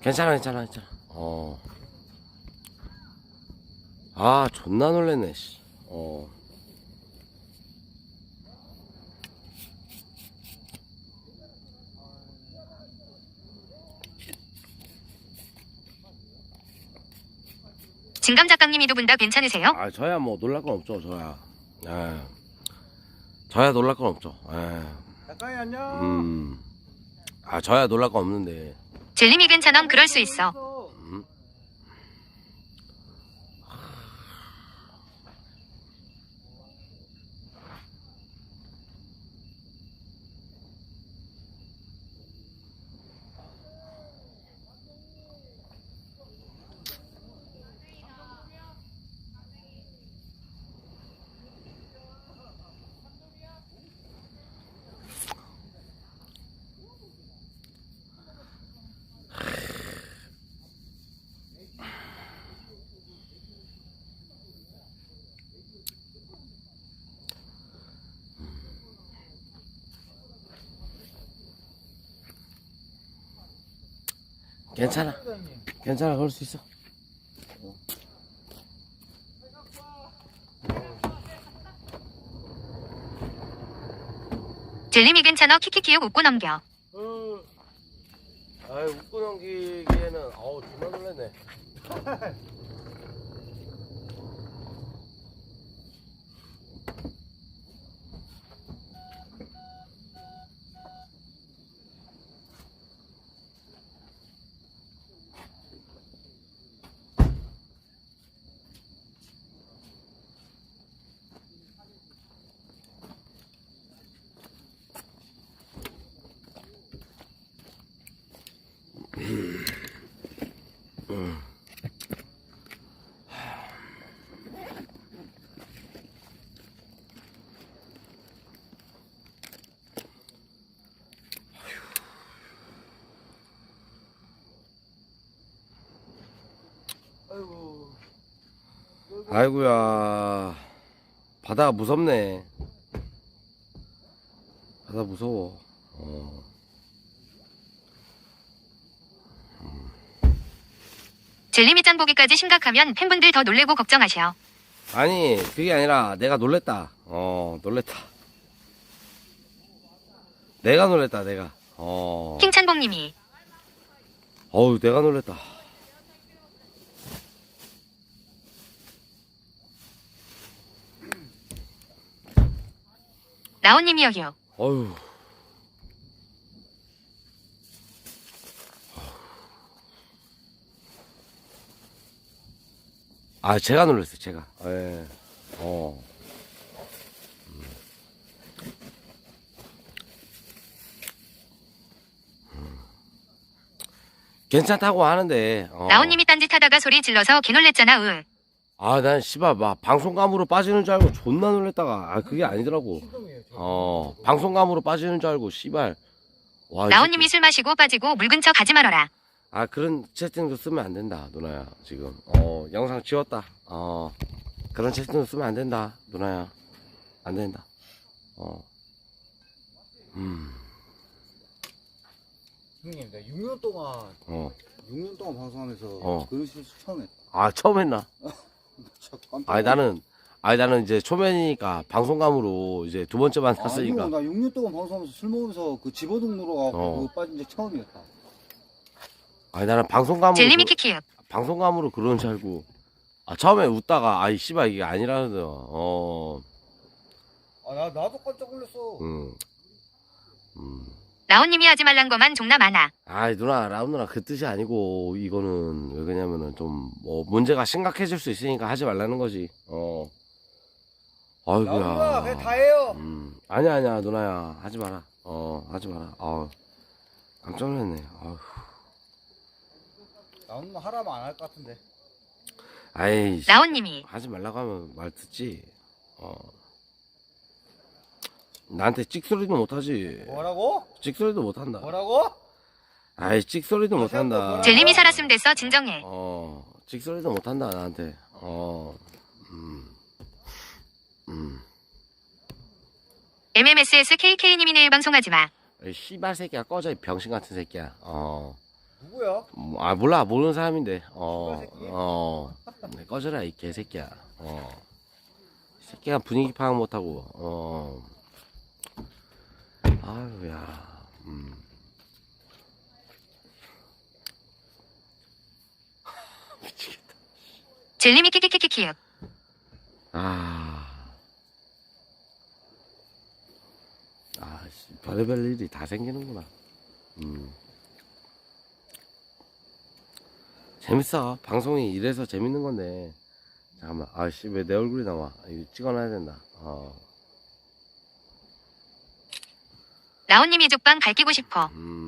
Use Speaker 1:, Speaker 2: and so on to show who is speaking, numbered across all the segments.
Speaker 1: 괜찮아, 괜찮아, 괜찮아. 아, 존나 놀랬네, 씨.
Speaker 2: 진감 작가님이 두 분 다 괜찮으세요?
Speaker 1: 아, 저야 뭐 놀랄 건 없죠, 저야. 예. 저야 놀랄 건 없죠. 예.
Speaker 3: 작가님 안녕.
Speaker 1: 아, 저야 놀랄 건 없는데.
Speaker 2: 젤림이 괜찮음 그럴 수 있어.
Speaker 1: 괜찮아. 괜찮아, 그럴 수 있어.
Speaker 2: 젤림이 괜찮아 키키키육 웃고 넘겨.
Speaker 1: 아이, 웃고 넘기기에는, 아우, 존나 놀랐네.
Speaker 3: 아이고.
Speaker 1: 아이고야. 바다가 무섭네. 바다 무서워.
Speaker 2: 젤림이 짠 보기까지 심각하면 팬분들 더 놀래고 걱정하셔.
Speaker 1: 아니, 그게 아니라 내가 놀랬다. 놀랬다. 내가 놀랬다, 내가.
Speaker 2: 킹찬봉님이
Speaker 1: 어우, 내가 놀랬다.
Speaker 2: 라온님이 여기요.
Speaker 1: 어휴. 아, 제가 놀랐어요, 제가. 예. 괜찮다고 하는데.
Speaker 2: 라온님이 딴짓하다가 소리 질러서 개 놀랬잖아. 으.
Speaker 1: 아, 난 씨발 막 방송감으로 빠지는 줄 알고 존나 놀랬다가 그게 아니더라고.
Speaker 3: 신동이에요.
Speaker 1: 방송감으로 빠지는 줄 알고 씨발. 와, 이
Speaker 2: 라온님이
Speaker 1: 새끼.
Speaker 2: 술 마시고 빠지고 물 근처 가지 말아라.
Speaker 1: 아, 그런 채팅도 쓰면 안 된다, 누나야. 지금 영상 지웠다. 그런 채팅도 쓰면 안 된다, 누나야. 안 된다.
Speaker 3: 형님, 내가 6년 동안 6년 동안 방송하면서 그런 실수 처음 했다.
Speaker 1: 아, 처음 했나?
Speaker 3: 진짜 깜짝
Speaker 1: 아니 나는 이제 초면이니까 방송감으로 이제 두 번째 만났으니까.
Speaker 3: 나 6년 동안 방송하면서 술 먹으면서 그 집어등 물어가고 그거 빠진 적 처음이었다.
Speaker 1: 아니 나는 방송감으로
Speaker 2: 젤림이 키키육.
Speaker 1: 방송감으로 그러는 줄 알고. 아, 처음에 웃다가 아이 씨발 이게 아니라는
Speaker 3: 나도 깜짝 놀랐어.
Speaker 2: 라온님이 하지 말란 거만 종나 많아.
Speaker 1: 아이 누나, 라운 누나 그 뜻이 아니고, 이거는 왜 그러냐면은 좀 뭐 문제가 심각해질 수 있으니까 하지 말라는 거지. 아이고야.
Speaker 3: 그냥 다 해요.
Speaker 1: 아니야 누나야, 하지 마라. 하지 마라. 깜짝 놀랐네.
Speaker 3: 나오는 하라면 안 할 것 같은데.
Speaker 1: 아이,
Speaker 2: 라온님이
Speaker 1: 하지 말라고 하면 말 듣지. 나한테 찍소리도 못하지.
Speaker 3: 뭐라고?
Speaker 1: 찍소리도 못한다.
Speaker 3: 뭐라고?
Speaker 1: 아이, 찍소리도 못한다.
Speaker 2: 젤림이 살았음 됐어 진정해.
Speaker 1: 찍소리도 못한다, 나한테.
Speaker 2: MMSS KK님이 내일 방송하지 마.
Speaker 1: 이 씨발 새끼야, 꺼져, 이 병신 같은 새끼야.
Speaker 3: 누구야?
Speaker 1: 아, 몰라. 모르는 사람인데.
Speaker 3: 새끼?
Speaker 1: 네, 꺼져라, 이 개새끼야. 이 새끼가 분위기 파악 못하고, 아유야, 미치겠다.
Speaker 2: 젤리미 키키키키키역.
Speaker 1: 별의별 일이 다 생기는구나. 재밌어. 방송이 이래서 재밌는 건데. 잠깐만. 아씨, 왜 내 얼굴이 나와? 이거 찍어놔야 된다.
Speaker 2: 라온님이 족방 밝히고 싶어.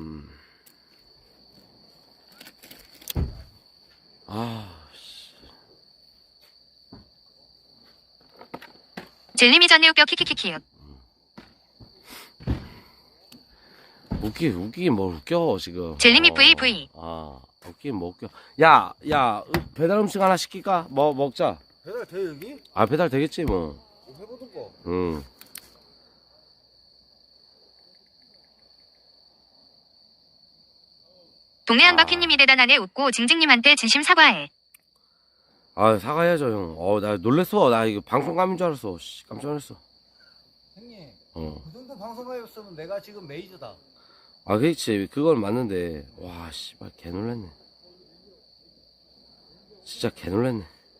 Speaker 1: 씨.
Speaker 2: 젤리미 전에 웃겨 키키키키역.
Speaker 1: 웃기긴 뭘 웃겨, 지금.
Speaker 2: 젤리미 VV.
Speaker 1: 웃기긴 뭐 웃겨. 야, 배달 음식 하나 시킬까? 뭐, 먹자.
Speaker 3: 배달 돼 여기?
Speaker 1: 배달 되겠지, 뭐.
Speaker 3: 해보던가.
Speaker 2: 동네 한바퀴님이 대단하네 웃고 징징님한테 진심 사과해.
Speaker 1: 사과해야죠, 형. 나 놀랬어. 나 이거 방송감인 줄 알았어. 씨, 깜짝 놀랐어.
Speaker 3: 형님,
Speaker 1: 어.
Speaker 3: 그 정도 방송가였으면 내가 지금 메이저다.
Speaker 1: 그렇지. 그건 맞는데. 와, 씨발, 개 놀랐네. 진짜 개 놀랐네.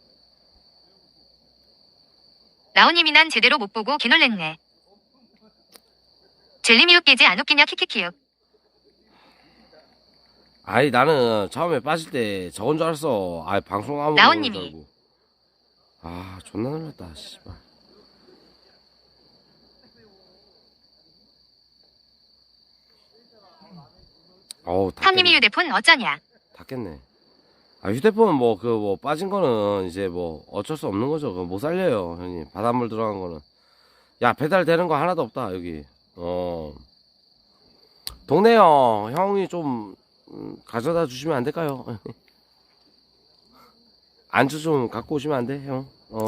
Speaker 2: 라온님이 난 제대로 못 보고 개놀랬네. 젤리미 웃기지 안 웃기냐 키키키역.
Speaker 1: 나는 처음에 빠질 때 저건 줄 알았어. 방송 아무도
Speaker 2: 라온님이.
Speaker 1: 존나 놀랐다, 씨발.
Speaker 2: 탐님이 휴대폰 어쩌냐.
Speaker 1: 닫겠네. 휴대폰 빠진 거는 이제 어쩔 수 없는 거죠. 그거 못 살려요, 형님. 바닷물 들어간 거는. 야, 배달 되는 거 하나도 없다, 여기. 동네 형이 좀, 가져다 주시면 안 될까요? 안주 좀 갖고 오시면 안 돼, 형?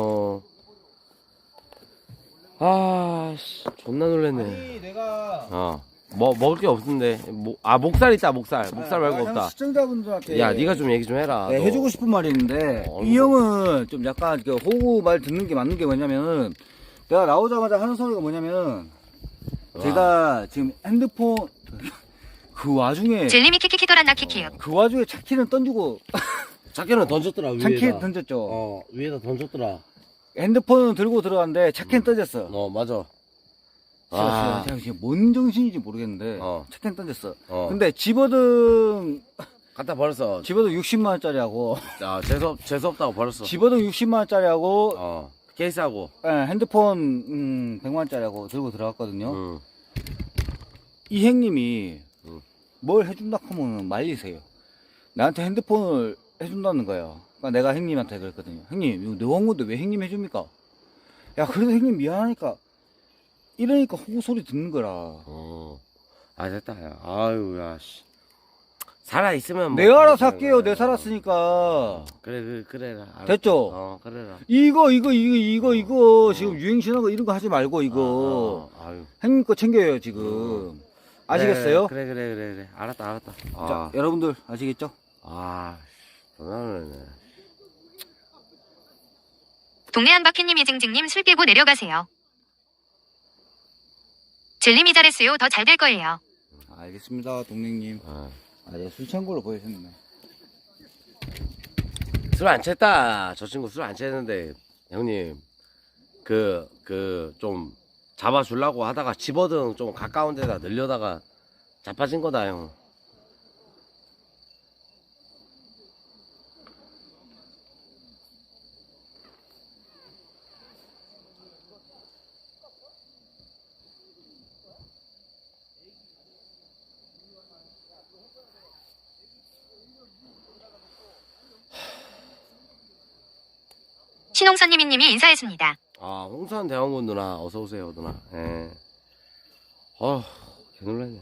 Speaker 1: 존나 놀랬네.
Speaker 3: 아니 내가
Speaker 1: 먹을 게 없는데. 목살 있다, 목살. 목살 말고 없다.
Speaker 3: 시청자분들한테
Speaker 1: 야, 네가 좀 얘기 좀 해라.
Speaker 3: 네,
Speaker 1: 너.
Speaker 3: 해주고 싶은 말이 있는데 이 형은 좀 약간 호구 말 듣는 게 맞는 게 뭐냐면은 내가 나오자마자 하는 소리가 뭐냐면 제가 지금 핸드폰 그 와중에
Speaker 2: 젤리미 키키키도란나 키키역.
Speaker 3: 그 와중에 차키는 던지고
Speaker 1: 차키는 던졌더라, 위에다.
Speaker 3: 차키 던졌죠.
Speaker 1: 위에다 던졌더라.
Speaker 3: 핸드폰은 들고 들어갔는데 차키는 던졌어.
Speaker 1: 맞아.
Speaker 3: 제가 지금 뭔 정신인지 모르겠는데 차키는 던졌어.
Speaker 1: 어.
Speaker 3: 근데 집어등
Speaker 1: 갖다 버렸어.
Speaker 3: 60만 원짜리하고
Speaker 1: 재수 없다고 버렸어.
Speaker 3: 집어등 60만 원짜리하고
Speaker 1: 케이스하고.
Speaker 3: 핸드폰 100만 원짜리하고 들고 들어갔거든요. 이 형님이 뭘 해준다 하면 말리세요. 나한테 핸드폰을 해준다는 거예요. 그러니까 내가 형님한테 그랬거든요. 형님 이거 내 원고인데 왜 형님 해줍니까? 야 그래도 형님 미안하니까 이러니까 호구 소리 듣는 거라.
Speaker 1: 됐다. 야. 아유, 씨. 살아있으면 뭐.
Speaker 3: 내가 알아서 할게요. 내 살았으니까.
Speaker 1: 그래. 알았다.
Speaker 3: 됐죠?
Speaker 1: 그래라.
Speaker 3: 이거 지금 유행신하고 이런 거 하지 말고 이거 형님 거 챙겨요 지금. 아시겠어요?
Speaker 1: 그래. 알았다.
Speaker 3: 자, 여러분들 아시겠죠?
Speaker 1: 전화를 네.
Speaker 2: 동네 한바퀴님이 징징님 술 깨고 내려가세요. 젤리미 잘했어요. 더 잘 될 거예요.
Speaker 3: 알겠습니다, 동생님. 내가 술 취한 걸로 보여줬네.
Speaker 1: 술 안 챘다. 저 친구 술 안 챘는데, 형님, 좀 잡아주려고 하다가 집어등 좀 가까운 데다 늘려다가 자빠진 거다, 형.
Speaker 2: 신홍선님이님이 인사했습니다.
Speaker 1: 홍선 대원군 누나, 어서오세요, 누나. 예. 개놀랐네.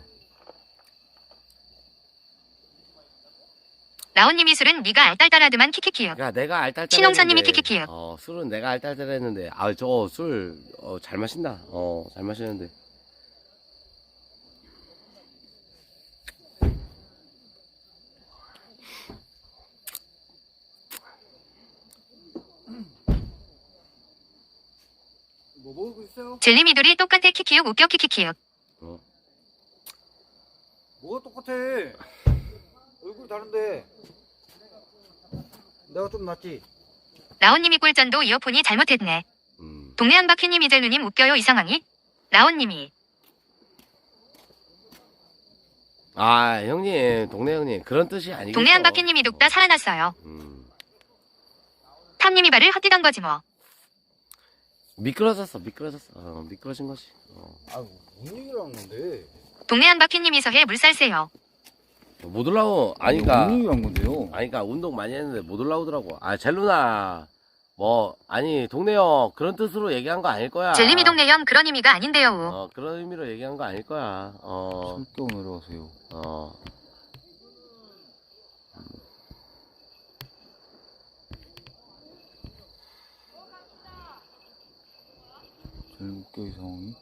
Speaker 2: 라온님이 술은 네가 알딸딸하드만 키키키역.
Speaker 1: 야, 내가 알딸딸.
Speaker 2: 신홍선님이 키키키역.
Speaker 1: 술은 내가 알딸딸 했는데, 저거 술, 잘 마신다. 잘 마시는데.
Speaker 3: 뭐 먹고 있어요?
Speaker 2: 젤리미돌이 똑같아 키키육 웃겨 키키키육.
Speaker 3: 뭐가 똑같아? 얼굴 다른데. 내가 좀 낫지.
Speaker 2: 라온님이 꿀전도 이어폰이 잘못했네. 동네 한바퀴님 이젤루님 웃겨요 이 상황이? 라온님이.
Speaker 1: 아 형님 동네 형님 그런 뜻이 아니겠죠.
Speaker 2: 동네 한바퀴님이 눕다 살아났어요. 탐님이 발을 헛디던 거지 뭐.
Speaker 1: 미끄러졌어 미끄러진 거지.
Speaker 3: 아, 뭔 얘기를 한 건데?
Speaker 2: 동네 한바퀴님이 서해 물살세요.
Speaker 1: 못 올라오 아니까
Speaker 3: 뭔 얘기를 한 건데요?
Speaker 1: 아니까 운동 많이 했는데 못 올라오더라고. 아 젤루나 뭐 아니 동네 형 그런 뜻으로 얘기한 거 아닐 거야.
Speaker 2: 젤리미 동네 형 그런 의미가 아닌데요.
Speaker 1: 그런 의미로 얘기한 거 아닐 거야.
Speaker 3: 성격 내려가세요. 제일 웃겨 이 상황이.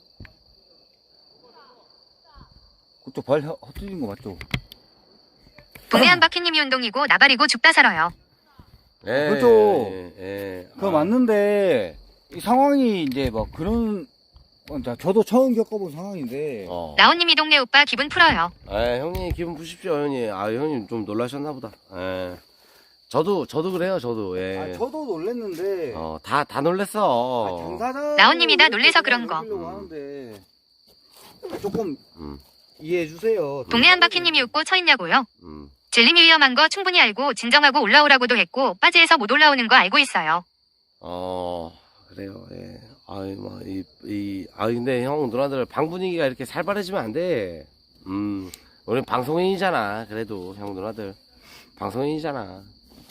Speaker 3: 그쪽 발 헛디딘 거 맞죠?
Speaker 2: 동네 한바퀴님이 운동이고 나발이고 죽다 살아요.
Speaker 1: 예,
Speaker 3: 그렇죠.
Speaker 1: 예.
Speaker 3: 그거 맞는데 이 상황이 이제 막 그런 자, 저도 처음 겪어본 상황인데
Speaker 2: 라온님이 동네 오빠 기분 풀어요.
Speaker 1: 형님 기분 푸십시오 형님. 아 형님 좀 놀라셨나 보다. 저도 그래요 저도. 예.
Speaker 3: 아, 저도 놀랬는데
Speaker 1: 다 놀랬어.
Speaker 3: 당사자
Speaker 2: 라온님이 다 놀래서 그런 거.
Speaker 3: 하는데 조금 이해해 주세요.
Speaker 2: 동네 한바퀴님이 웃고 처있냐고요? 젤림이 위험한 거 충분히 알고 진정하고 올라오라고도 했고 빠지에서 못 올라오는 거 알고 있어요.
Speaker 1: 그래요. 예. 근데 형 누나들 방 분위기가 이렇게 살벌해지면 안 돼. 우리 방송인이잖아. 그래도 형 누나들 방송인이잖아.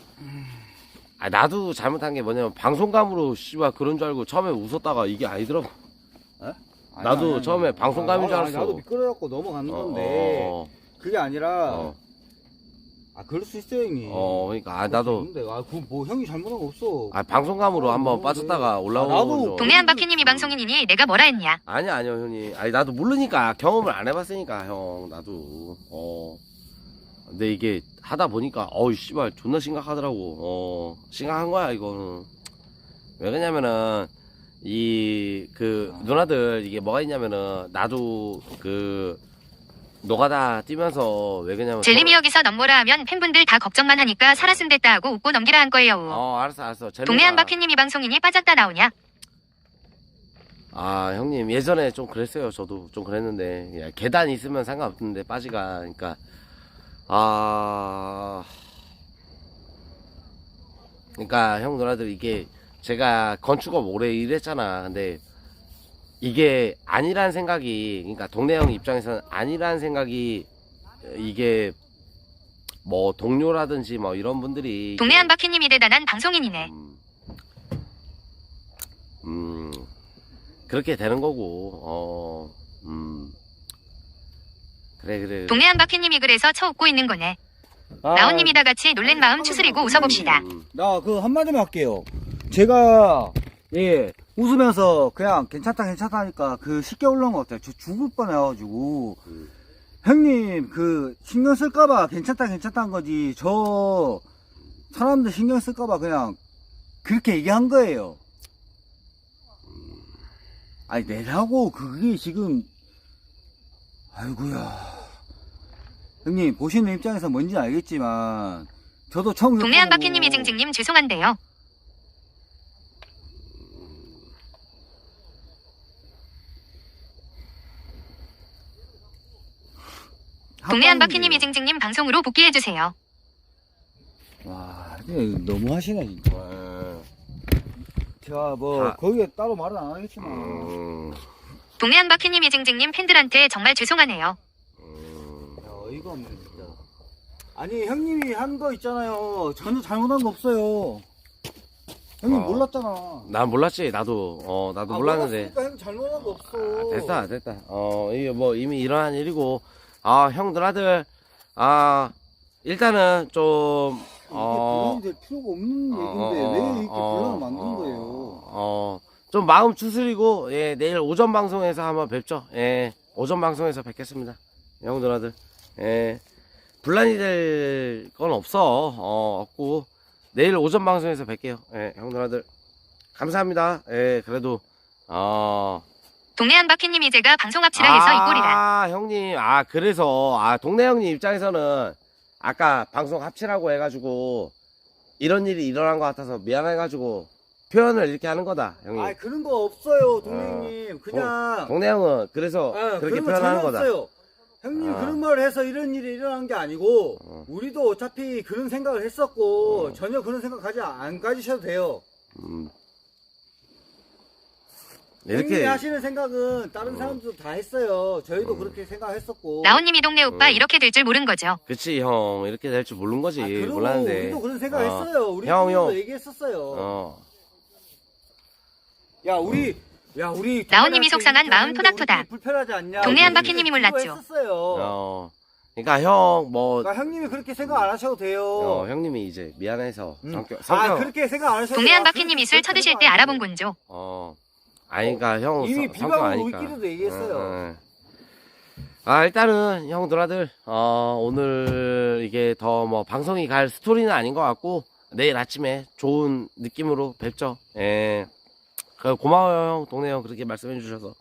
Speaker 1: 나도 잘못한 게 뭐냐면 방송감으로 씨발 그런 줄 알고 처음에 웃었다가 이게 아니더라고. 나도 처음에 방송감인 줄 알았어.
Speaker 3: 나도 미끄러갖고 넘어가는 건데 그게 아니라 그럴 수 있어요 형님.
Speaker 1: 그러니까 나도
Speaker 3: 근데 그 뭐 형이 잘못한 거 없어.
Speaker 1: 방송감으로 한번 빠졌다가 올라오는 거죠.
Speaker 2: 동네 한바퀴님이 방송인이니 내가 뭐라 했냐?
Speaker 1: 아니요 형님. 나도 모르니까 경험을 안 해봤으니까 형 나도. 근데 이게 하다 보니까 씨발 존나 심각하더라고. 심각한 거야 이거는. 왜 그러냐면은 누나들 이게 뭐가 있냐면은 나도 노가다 뛰면서 왜 그러냐면
Speaker 2: 젤림이 여기서 넘보라 하면 팬분들 다 걱정만 하니까 살았음 됐다 하고 웃고 넘기라 한 거예요.
Speaker 1: 알았어
Speaker 2: 동네 한바퀴님이 방송인이 빠졌다 나오냐?
Speaker 1: 형님 예전에 좀 그랬어요. 저도 좀 그랬는데 계단 있으면 상관없는데 빠지가 그러니까 그러니까 형 누나들 이게 제가 건축업 오래 일했잖아. 근데 이게 아니란 생각이 그러니까 동네 형 입장에서는 아니란 생각이 이게 뭐 동료라든지 뭐 이런 분들이
Speaker 2: 동네 한바퀴님이 대단한 방송인이네.
Speaker 1: 그렇게 되는 거고 그래
Speaker 2: 동네 한바퀴님이 그래서 쳐 웃고 있는 거네. 라온님이 다 같이 놀란 마음 추스리고 웃어봅시다.
Speaker 3: 나 한마디만 할게요. 제가 웃으면서 그냥 괜찮다 하니까 쉽게 올라온 것 같아요. 저 죽을 뻔해가지고 형님 신경 쓸까봐 괜찮다는 거지. 저 사람들 신경 쓸까봐 그냥 그렇게 얘기한 거예요. 내라고 그게 지금 아이고야. 형님 보시는 입장에서 뭔지 알겠지만 저도 처음
Speaker 2: 동네 한바퀴님이 징징님 죄송한데요. 동네 한바퀴님이 징징님 방송으로 복귀해주세요.
Speaker 3: 와, 너무 하시네 진짜. 제가 거기에 따로 말은 안 하겠지만
Speaker 2: 동네 한바퀴님이 징징님 팬들한테 정말 죄송하네요.
Speaker 3: 어이가 없네 진짜. 아니 형님이 한 거 있잖아요. 전혀 잘못한 거 없어요. 형님 몰랐잖아.
Speaker 1: 난 몰랐지. 나도 몰랐는데
Speaker 3: 형 잘못한 거 없어.
Speaker 1: 됐다. 이게 뭐 이미 일어난 일이고 형 누나들 일단은 좀
Speaker 3: 이게 분란이 될 필요가 없는 얘기인데 왜 이렇게 분란을 만드는 거예요?
Speaker 1: 좀 마음 추스리고 내일 오전 방송에서 한번 뵙죠. 오전 방송에서 뵙겠습니다. 형 누나들. 분란이 될 건 없고 내일 오전 방송에서 뵐게요. 형 누나들 감사합니다. 그래도
Speaker 2: 동네 한바퀴님 이제가 방송 합치라 해서 이 꼴이라.
Speaker 1: 아, 형님. 그래서, 동네 형님 입장에서는 아까 방송 합치라고 해가지고, 이런 일이 일어난 것 같아서 미안해가지고, 표현을 이렇게 하는 거다, 형님.
Speaker 3: 아, 그런 거 없어요, 동생님. 그냥.
Speaker 1: 동네 형은 그래서 그렇게
Speaker 3: 그런 거
Speaker 1: 표현하는
Speaker 3: 전혀
Speaker 1: 거다.
Speaker 3: 없어요. 형님 그런 말을 해서 이런 일이 일어난 게 아니고, 우리도 어차피 그런 생각을 했었고, 전혀 그런 생각 안 가지셔도 돼요. 형님이
Speaker 1: 이렇게,
Speaker 3: 하시는 생각은 다른 사람들도 다 했어요. 저희도 그렇게 생각했었고.
Speaker 2: 라온님 이 동네 오빠 이렇게 될 줄 모른 거죠.
Speaker 1: 그치, 형. 이렇게 될 줄 모르는 거지.
Speaker 3: 그리고
Speaker 1: 몰랐는데.
Speaker 3: 우리도 그런 생각했어요. 우리
Speaker 1: 형,
Speaker 3: 친구도
Speaker 1: 형.
Speaker 3: 얘기했었어요. 야, 우리
Speaker 2: 라온님이 속상한 마음 토닥토닥.
Speaker 3: 불편하지 않냐?
Speaker 2: 동네 한바퀴님이 몰랐죠.
Speaker 3: 했었어요.
Speaker 1: 그러니까 형,
Speaker 3: 그러니까 형님이 그렇게 생각 안 하셔도 돼요.
Speaker 1: 형님이 이제 미안해서
Speaker 3: 그렇게 생각 안 하셔도
Speaker 2: 동네
Speaker 3: 돼요.
Speaker 2: 한바퀴님 이술 쳐드실 때 알아본 건죠.
Speaker 1: 그러니까 형
Speaker 3: 이미
Speaker 1: 성격
Speaker 3: 비방으로
Speaker 1: 아니까.
Speaker 3: 우리끼리도 얘기했어요.
Speaker 1: 일단은 형 누나들 오늘 이게 더 뭐 방송이 갈 스토리는 아닌 것 같고 내일 아침에 좋은 느낌으로 뵙죠. 예. 고마워요 형, 동네 형 그렇게 말씀해 주셔서.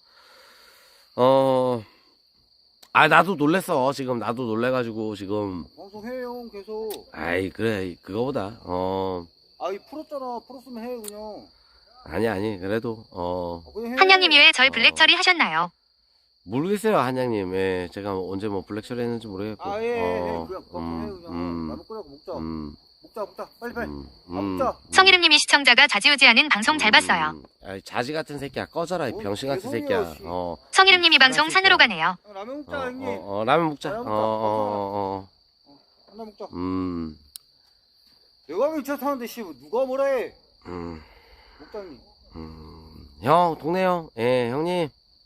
Speaker 1: 나도 놀랬어. 지금 나도 놀래가지고 지금.
Speaker 3: 방송해요 계속.
Speaker 1: 그래 그거보다
Speaker 3: 풀었잖아. 풀었으면 해 그냥.
Speaker 1: 아니 그래도
Speaker 3: 그냥 해.
Speaker 2: 한양님이 왜 절 블랙 처리하셨나요?
Speaker 1: 모르겠어요 한양님. 예, 제가 언제 뭐 블랙 처리했는지 모르겠고.
Speaker 3: 그냥 해 그냥. 라면 끓여 먹자. 빨리. 먹자.
Speaker 2: 성이름님이 시청자가 자지우지하는 방송 잘 봤어요.
Speaker 1: 자지 같은 새끼야 꺼져라 이 병신 같은
Speaker 3: 개소리야,
Speaker 1: 새끼야.
Speaker 3: 씨.
Speaker 2: 성이름님이 방송 산으로 가네요.
Speaker 3: 라면 먹자 형님.
Speaker 1: 라면 먹자.
Speaker 3: 라면 먹자. 내가 왜 차 타는데 씨 누가 뭐라 해? 먹자 형님.
Speaker 1: 형 동네 형, 예 형님.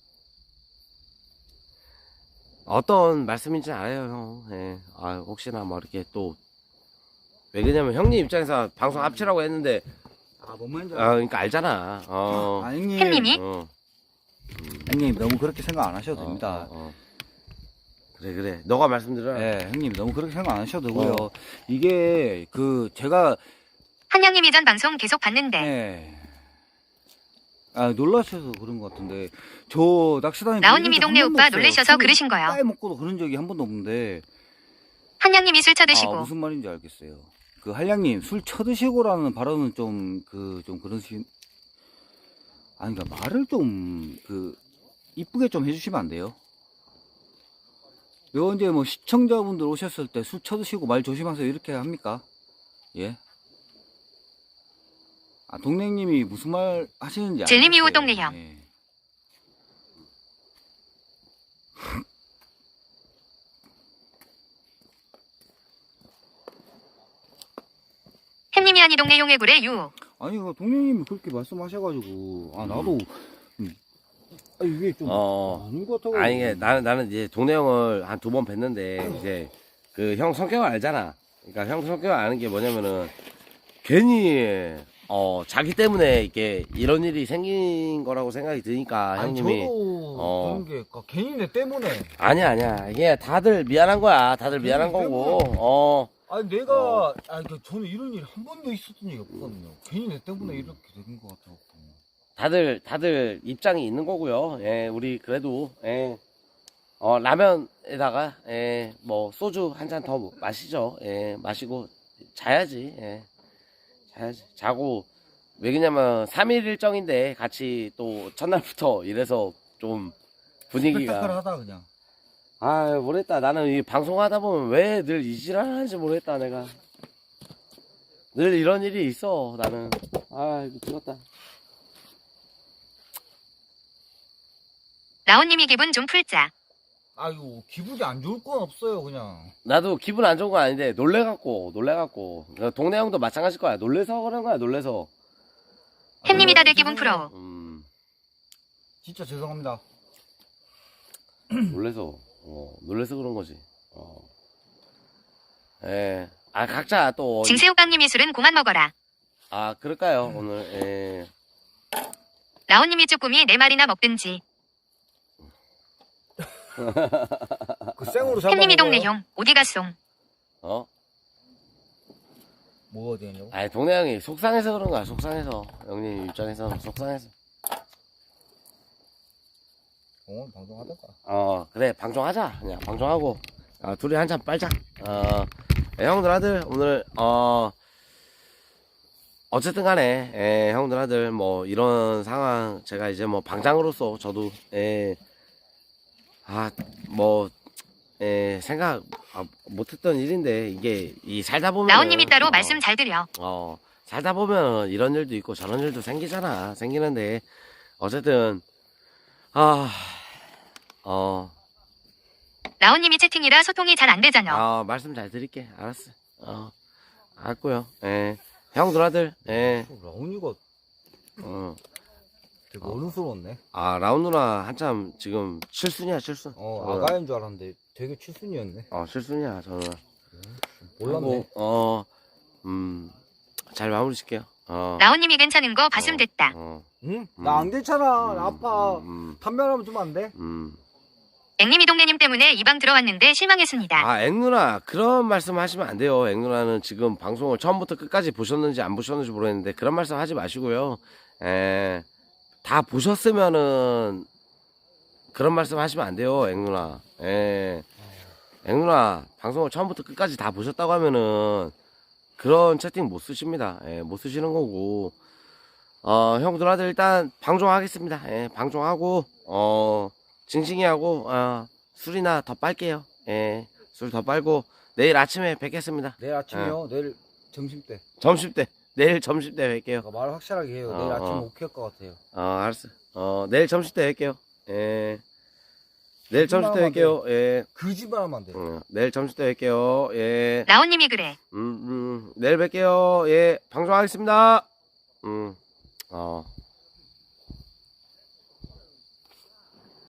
Speaker 1: 어떤 말씀인지 알아요 형. 예. 혹시나 뭐 이렇게 또 왜냐면 형님 입장에서 방송 합치라고 했는데
Speaker 3: 뭔 말인지 알아.
Speaker 1: 그러니까 알잖아.
Speaker 3: 형님.
Speaker 2: 햄님이?
Speaker 3: 형님 너무 그렇게 생각 안 하셔도 됩니다.
Speaker 1: 그래 너가 말씀드려.
Speaker 3: 네, 형님 너무 그렇게 생각 안 하셔도 되고요. 이게 제가
Speaker 2: 한양님이 전 방송 계속 봤는데
Speaker 3: 놀라셔서 그런 것 같은데 저 낚시다니
Speaker 2: 라온님이 동네 오빠 놀래셔서 그러신 거요.
Speaker 3: 까에 먹고도 그런 적이 한 번도 없는데
Speaker 2: 한양님이 술 쳐드시고
Speaker 3: 무슨 말인지 알겠어요. 한량님 술 쳐드시고라는 발언은 좀 그런 그러니까 말을 좀 이쁘게 좀 해주시면 안 돼요? 요 이제 뭐 시청자분들 오셨을 때 술 쳐드시고 말 조심하세요 이렇게 합니까? 예? 동생님이 무슨 말 하시는지
Speaker 2: 젤리미오
Speaker 3: 알겠어요.
Speaker 2: 동네 형.
Speaker 3: 예.
Speaker 2: 햄님이 아니 동네 용해구래 유.
Speaker 3: 아니 동생님이 그렇게 말씀하셔가지고 나도 이게 좀 아닌 것 같아가지고.
Speaker 1: 이게 나는 이제 동네 형을 한 2번 뵀는데 이제 형 성격을 알잖아. 그러니까 형 성격을 아는 게 뭐냐면은 괜히 자기 때문에 이게 이런 일이 생긴 거라고 생각이 드니까 형님이
Speaker 3: 저도 그런 게 괜히 내 때문에.
Speaker 1: 아니야 이게 다들 미안한 거야. 다들 미안한 거고.
Speaker 3: 내가 저는 이런 일이 한 번도 있었던 적이 없거든요. 괜히 내 때문에 이렇게 된 것 같아요.
Speaker 1: 다들 입장이 있는 거고요. 예, 우리 그래도 라면에다가 뭐 소주 한 잔 더 마시죠. 예, 마시고 자야지. 예. 자고 왜 그러냐면 3일 일정인데 같이 또 첫날부터 이래서 좀 분위기가
Speaker 3: 스펙타클하다 그냥.
Speaker 1: 모르겠다. 나는 이 방송하다 보면 왜 늘 이 지랄 하는지 모르겠다. 내가 늘 이런 일이 있어. 나는 미치겠다.
Speaker 2: 라온님이 기분 좀 풀자.
Speaker 3: 기분이 안 좋을 건 없어요 그냥.
Speaker 1: 나도 기분 안 좋은 건 아닌데 놀래갖고 동네 형도 마찬가지일 거야. 놀래서 그런 거야. 놀래서.
Speaker 2: 햄님이 다들 기분 풀어.
Speaker 3: 진짜 죄송합니다.
Speaker 1: 놀래서 그런 거지. 각자 또.
Speaker 2: 징새우깡님이 술은 그만 먹어라.
Speaker 1: 그럴까요 오늘.
Speaker 2: 라온님이 쭈꾸미 4마리나 먹든지.
Speaker 3: 생으로 잡아.
Speaker 2: 햄님이 동네 형 어디 갔송?
Speaker 3: 뭐가 되냐고?
Speaker 1: 동네 형이 속상해서 그런 거야. 속상해서 형님 입장에서는 속상해서.
Speaker 3: 방송하던가.
Speaker 1: 그래, 방송하자. 그냥 방송하고, 둘이 한잔 빨자. 형들 아들, 오늘, 어쨌든 간에, 형들 아들, 뭐, 이런 상황, 제가 이제 뭐, 방장으로서 저도, 생각, 못했던 일인데, 이게, 살다 보면.
Speaker 2: 라온님이 따로 말씀 잘 드려.
Speaker 1: 살다 보면 이런 일도 있고 저런 일도 생기잖아. 생기는데, 어쨌든,
Speaker 2: 라온님이 채팅이라 소통이 잘 안 되잖아.
Speaker 1: 말씀 잘 드릴게. 알았어. 알았고요. 형들 아들,
Speaker 3: 라온이가 되게 어른스러웠네.
Speaker 1: 라운 누나 한참 지금 칠순이야, 칠순.
Speaker 3: 아가인 줄 알았는데 되게 칠순이었네.
Speaker 1: 칠순이야, 저는.
Speaker 3: 몰랐네.
Speaker 1: 하고, 잘 마무리 짓게요.
Speaker 2: 라온님이 괜찮은 거 봤음 됐다.
Speaker 3: 응? 나 안 괜찮아. 나 아파.
Speaker 1: 음.
Speaker 3: 담배 하나만 주면 안 돼?
Speaker 2: 앵님이 동네님 때문에 이 방 들어왔는데 실망했습니다.
Speaker 1: 앵 누나, 그런 말씀 하시면 안 돼요. 앵 누나는 지금 방송을 처음부터 끝까지 보셨는지 안 보셨는지 모르겠는데, 그런 말씀 하지 마시고요. 다 보셨으면은, 그런 말씀 하시면 안 돼요, 앵 누나. 앵 누나, 방송을 처음부터 끝까지 다 보셨다고 하면은, 그런 채팅 못 쓰십니다. 못 쓰시는 거고. 형들 아들 일단 방종하겠습니다. 방종하고, 징징이 하고, 술이나 더 빨게요. 술 더 빨고, 내일 아침에 뵙겠습니다.
Speaker 3: 내일 아침이요? 내일 점심때.
Speaker 1: 점심때. 내일 점심때 뵐게요.
Speaker 3: 말 확실하게 해요. 내일 아침 못 켤 것 같아요.
Speaker 1: 알았어. 내일 점심때 뵐게요. 내일 점심때 뵐게요.
Speaker 3: 거짓말 하면 안 돼.
Speaker 1: 내일 점심때 뵐게요.
Speaker 2: 라온님이 그래.
Speaker 1: 내일 뵐게요. 방송하겠습니다.